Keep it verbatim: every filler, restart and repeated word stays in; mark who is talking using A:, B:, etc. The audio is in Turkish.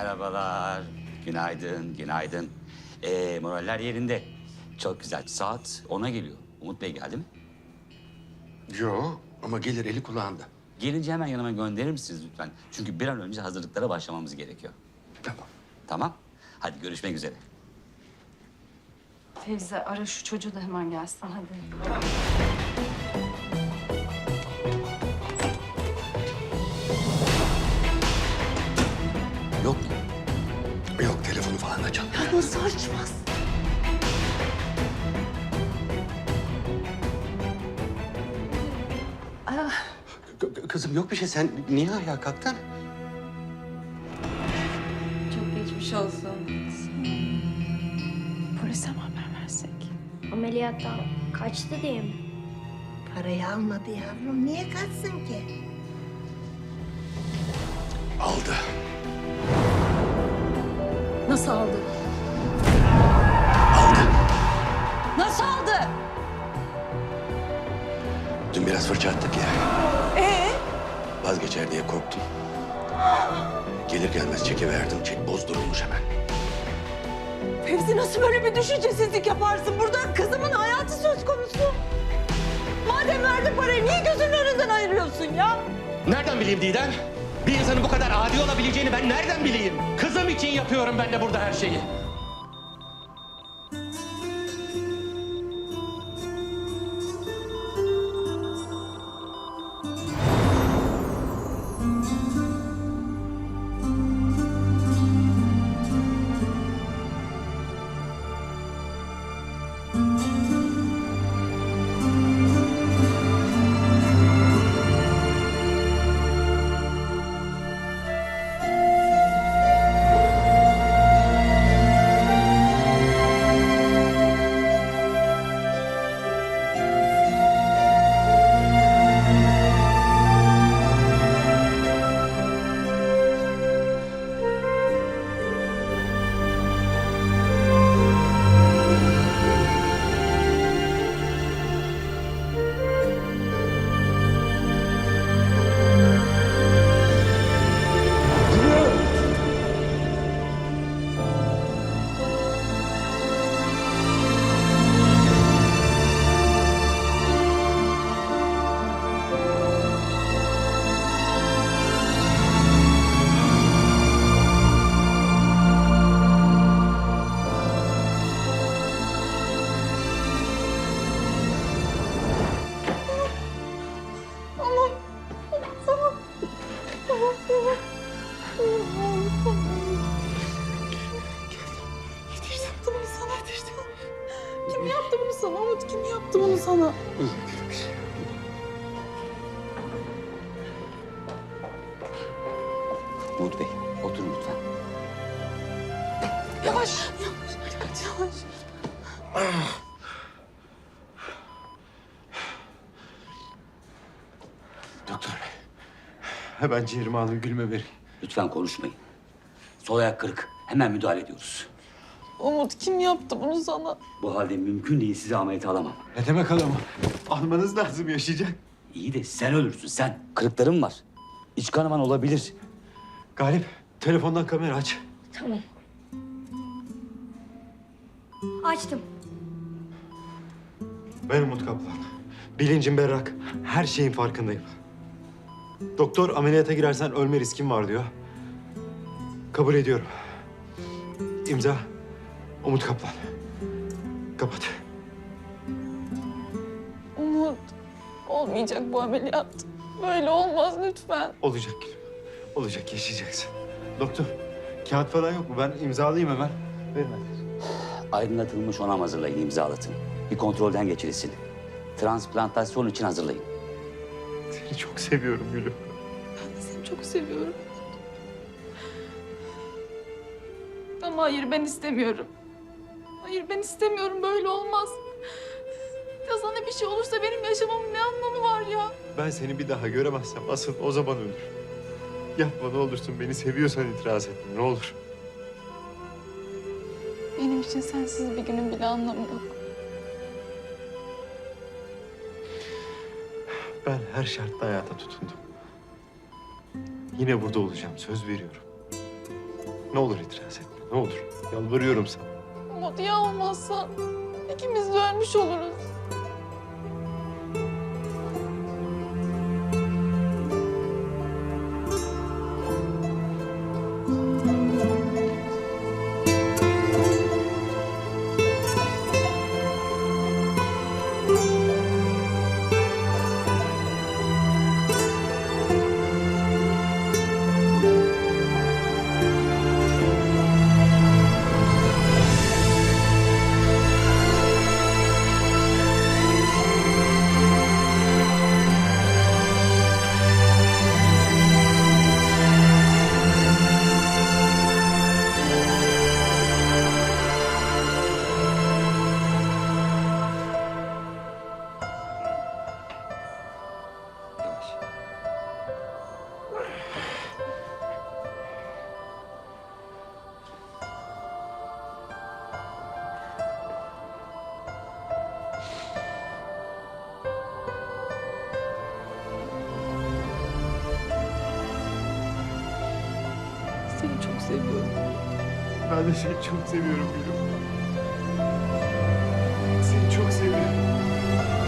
A: Merhabalar. Günaydın, günaydın. Ee, moraller yerinde. Çok güzel. Saat ona geliyor. Umut Bey geldi mi?
B: Yo ama gelir eli kulağında.
A: Gelince hemen yanıma gönderir misiniz lütfen? Çünkü bir an önce hazırlıklara başlamamız gerekiyor.
B: Tamam.
A: Tamam. Hadi görüşmek üzere.
C: Fevzi ara şu çocuğu da hemen gelsin hadi.
A: Yok mu?
B: Yok telefonu falan açalım.
C: Nasıl açmaz?
B: K- kızım yok bir şey. Sen niye ayağa kalktın?
C: Çok geçmiş olsun. Polise mi haber versek?
D: Ameliyattan kaçtı diye mi?
E: Parayı almadı yavrum. Niye kaçsın ki?
B: Aldı.
C: Nasıl aldı?
B: Aldı.
C: Nasıl aldı?
B: Dün biraz fırça attık ya. Ee? Vazgeçer diye korktum. Gelir gelmez çekiverdim. Çek bozdurulmuş hemen.
F: Fevzi nasıl böyle bir düşüncesizlik yaparsın? Burada kızımın hayatı söz konusu. Madem verdin parayı niye gözünün önünden ayırıyorsun ya?
G: Nereden bileyim Didem? Bir insanın bu kadar adi olabileceğini ben nereden bileyim? Kızım için yapıyorum ben de burada her şeyi.
F: Yaptı bunu sana yetiştim. Kim yaptı bunu sana Umut? Kim yaptı bunu sana?
A: Umut Bey, oturun lütfen.
F: Yavaş. Yavaş. Dikkat yavaş.
B: Doktor bey. Hemen ciğerimi alın gülme verin.
A: Lütfen konuşmayın. Sol ayak kırık. Hemen müdahale ediyoruz.
F: Umut kim yaptı bunu sana?
A: Bu halde mümkün değil, sizi ameliyata alamam.
B: Ne demek alamam? Almanız lazım yaşayacak.
A: İyi de sen ölürsün, sen. Kırıklarım var. İç kanaman olabilir.
B: Galip telefondan kamera aç.
D: Tamam. Açtım.
B: Ben Umut Kaplan. Bilincim berrak. Her şeyin farkındayım. Doktor ameliyata girersen ölme riskin var diyor. Kabul ediyorum. İmza Umut Kaplan. Kapat.
F: Umut olmayacak bu ameliyat. Böyle olmaz lütfen.
B: Olacak gülüm. Olacak yaşayacaksın. Doktor kağıt falan yok mu? Ben imzalayayım hemen. Verin hadi.
A: Aydınlatılmış onam hazırlayın, imzalatın. Bir kontrolden geçirilsin. Transplantasyon için hazırlayın.
B: Seni çok seviyorum gülüm.
F: Ben de seni çok seviyorum. Ama hayır ben istemiyorum. Hayır ben istemiyorum böyle olmaz. Ya sana bir şey olursa benim yaşamamın ne anlamı var ya?
B: Ben seni bir daha göremezsem asıl o zaman ölürüm. Yapma ne olursun beni seviyorsan itiraz etme ne olur.
F: Benim için sensiz bir günün bile anlamı yok.
B: Ben her şartta hayata tutundum. Yine burada olacağım söz veriyorum. Ne olur itiraz etme. Ne olur. Yalvarıyorum sana.
H: Umut ya olmazsa ikimiz de ölmüş oluruz.
A: Yavaş.
H: Seni çok seviyorum.
B: Ben de seni çok seviyorum gülüm. Seni çok seviyorum.